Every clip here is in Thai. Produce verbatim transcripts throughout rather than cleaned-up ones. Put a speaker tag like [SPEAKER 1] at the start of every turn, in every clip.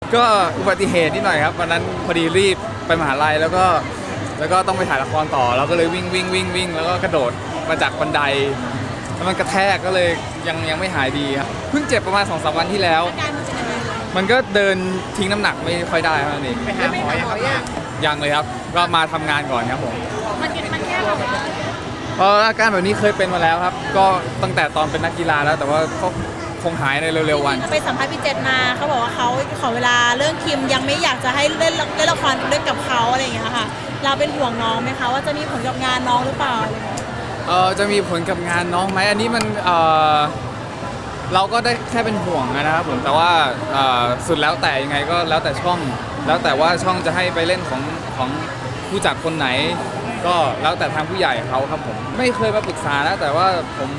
[SPEAKER 1] ก็อุบัติเหตุนิดหน่อยครับวันนั้นพอดีรีบไปมหาลัยแล้วก็แล้วก็ต้องไปถ่ายละครต่อเราก็เลยวิ่งวิ่งวิ่งวิ่งแล้วก็กระโดดมาจากบันไดแล้วมันกระแทกก็เลยยังยังไม่หายดีครับเพิ่งเจ็บประมาณสองสามวันที่แล้ว
[SPEAKER 2] อาการมันเป็นยังไงคะ
[SPEAKER 1] มันก็เดินทิ้งน้ำหนักไม่ค่อยได้เท่านั้นเอง
[SPEAKER 3] ไปหาหมอยังครับ
[SPEAKER 1] ยังเลยครับก็มาทำงานก่อนครับผม
[SPEAKER 2] มันกินมันแค่แบบว่า
[SPEAKER 1] เพราะอาการแบบนี้เคยเป็นมาแล้วครับ ก็ตั้งแต่ตอนเป็นนักกีฬาแล้วแต่ว่าก็คงหายในเร็วๆวัน
[SPEAKER 2] ไปสัมภาษณ์พี่เจษมาเขาบอกว่าเขาขอเวลาเรื่องคิมยังไม่อยากจะให้เล่นเล่นละครด้วยกับเขาอะไรอย่างเงี้ยค่ะเราเป็นห่วงน้องไหมคะว่าจะมีผลกับงานน้องหรือเปล่าอะไรอย่างเงี้ย
[SPEAKER 1] เออจะมีผลกับงานน้องไหมอันนี้มันเออเราก็ได้แค่เป็นห่วงนะครับผมแต่ว่าเอ่อสุดแล้วแต่ยังไงก็แล้วแต่ช่อง แล้วแต่ว่าช่องจะให้ไปเล่นของของผู้จัดคนไหน ก็แล้วแต่ทางผู้ใหญ่เขาครับผมไม่เคยมาปรึกษานะแต่ว่าผม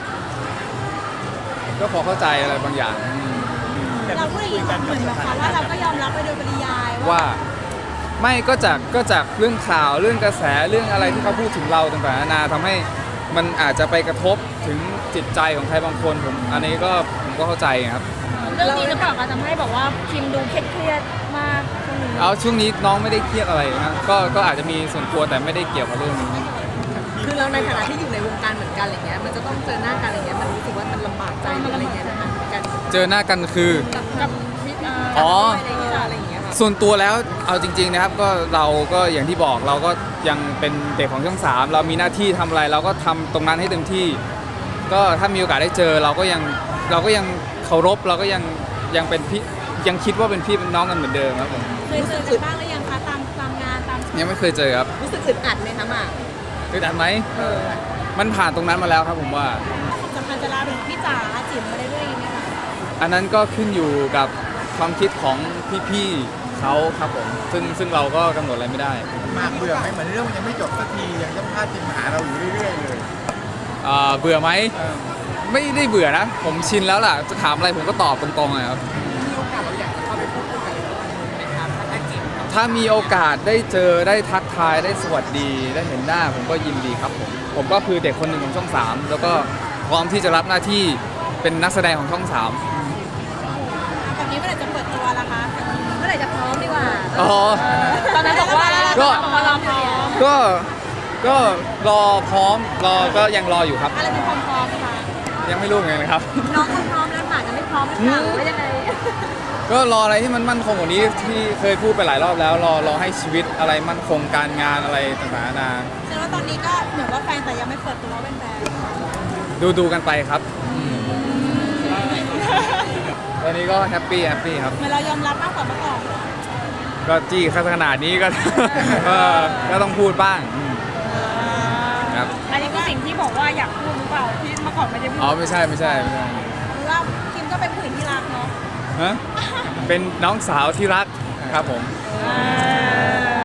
[SPEAKER 1] ก็พอเข้าใจอะไรบางอย่างอืม
[SPEAKER 2] เราพูดอย่างนี้เหมือนแบบว่าเราก็ยอมรับไปโดยปริยายว่า
[SPEAKER 1] ว่าไม่ก็จากก็จากเรื่องข่าวเรื่องกระแสเรื่องอะไรที่เขาพูดถึงเราต่างๆนานาทำให้มันอาจจะไปกระทบถึงจิตใจของใครบางคนผมอันนี้ก็ผมก็เข้าใจครับ
[SPEAKER 2] เรื่องนี้หรือเปล่าคะทำให้แบบว่าคิมดูเครียดๆมากช่วงนี้
[SPEAKER 1] เอาช่วงนี้น้องไม่ได้เครียดอะไรนะก็ก็อาจจะมีส่วนตัวแต่ไม่ได้เกี่ยวกับเรื่องนี้
[SPEAKER 4] คือเราในฐานะที่อยู่ในวงการเหมือนกันอะไรเงี้ยมันจะต้องเจอหน้ากันอะไรเงี้ยมันรู้สึกว่ามันลำบากใจหรืออะไรเงี้ยนะคะกัน
[SPEAKER 1] เจอหน้ากันคือ
[SPEAKER 4] กับกับมิตร
[SPEAKER 1] อ๋อ
[SPEAKER 4] อะไรเงี้ยอะไรเงี้ยค่ะ
[SPEAKER 1] ส่วนตัวแล้วเอาจริงๆนะครับก็เราก็อย่างที่บอกเราก็ยังเป็นเด็กของช่องสามเรามีหน้าที่ทำอะไรเราก็ทำตรงนั้นให้เต็มที่ ก็ถ้ามีโอกาสได้เจอเราก็ยังเราก็ยังเคารพเราก็ยังยังเป็นพี่ยังคิดว่าเป็นพี่เป็นน้องกันเหมือนเดิมครับผม
[SPEAKER 2] เคยเจอกันบ้างหรือยังคะตามตามงานตาม
[SPEAKER 1] ยังไม่เคยเจอครับ
[SPEAKER 4] รู้สึกอึดอัดไหมคะหมาก
[SPEAKER 1] เคยดันไหม
[SPEAKER 4] เออ
[SPEAKER 1] มันผ่านตรงนั้นมาแล้วครับผมว่า
[SPEAKER 2] ความสัมพันธ์จะลามไปถึงพี่จ๋าจิ๋มมาเรื่อยๆอย่างเงี้ยค่ะ
[SPEAKER 1] อันนั้นก็ขึ้นอยู่กับความคิดของพี่ๆเขาครับผมซึ่งซึ่งเราก็กำหนดอะไรไม่ได้
[SPEAKER 3] มากเบื่อไหมเหมือนเรื่องมันยังไม่จบสักทียังจะพาดทีมหาเราอยู่เรื่อยๆเลย
[SPEAKER 1] อ่าเบื่อไหม
[SPEAKER 3] เออ
[SPEAKER 1] ไม่ได้เบื่อนะ ผมชินแล้วล่ะจะถามอะไรผมก็ตอบตรงๆเลยครับ
[SPEAKER 4] มีโอกาสเราอยากจะเข้าไปพูดคุยกันไหมคะถ้าจีบ
[SPEAKER 1] ถ้ามีโอกาสได้เจอได้ทักทายได้สวัสดี ได้เห็นหน้าผมก็ยินดีครับผมผมก็คือเด็กคนหนึ่งของช่องสามแล้วก็พร้อมที่จะรับหน้าที่เป็นนักแสดงของช่องสาม
[SPEAKER 2] แบบนี้เมื่อไหร่จะเปิดตัวล่ะคะ
[SPEAKER 4] เมื่อไหร่จะพร้อมดีกว่า
[SPEAKER 1] อ๋อ
[SPEAKER 2] ตอนนั้นบอกว่า
[SPEAKER 1] ก็
[SPEAKER 2] พอเราพร้อม
[SPEAKER 1] ก็ก็รอพร้อมรอก็ยังรออยู่ครับ
[SPEAKER 2] อะไรเป็นความพร้อมคะ
[SPEAKER 1] ยังไม่รู้เหมือนกันครับ
[SPEAKER 4] น้องเขาพร้อมแล้วหมากยังไม่พร้อมหรือเปล่าหรือว่ายังไง
[SPEAKER 1] ก็รออะไรที่มันมั่นคงกว่านี้ที่เคยพูดไปหลายรอบแล้วรอรอให้ชีวิตอะไรมั่นคงการงานอะไรต่างๆนานา
[SPEAKER 2] แสดงว่าตอนนี้ก็เหมือนว่าแฟนแต่ยังไม่เปิดตัวว่าเป็นแฟน
[SPEAKER 1] ดูดูกันไปครับตอนนี้ก็แฮปปี้แฮปปี้ครับ
[SPEAKER 2] เหมือนเรายอมรับมากกว่าเมื่อก่อน
[SPEAKER 1] ก็จี้ขนาดนี้ก็ เออก็ต้องพูดบ้างอืมครับ
[SPEAKER 2] อันนี้คือสิ่งที่บอกว่าอยากพูดหรือเปล่าที่เมื่อก่อนไม่ได้พูด
[SPEAKER 1] อ๋อไม่ใช่ไม่ใช่ไม่ใช่
[SPEAKER 2] หรือว่าคิมก็เป็นผู้หญิงที่รักเนาะ
[SPEAKER 1] ฮะเป็นน้องสาวที่รักครับผม
[SPEAKER 2] อ่า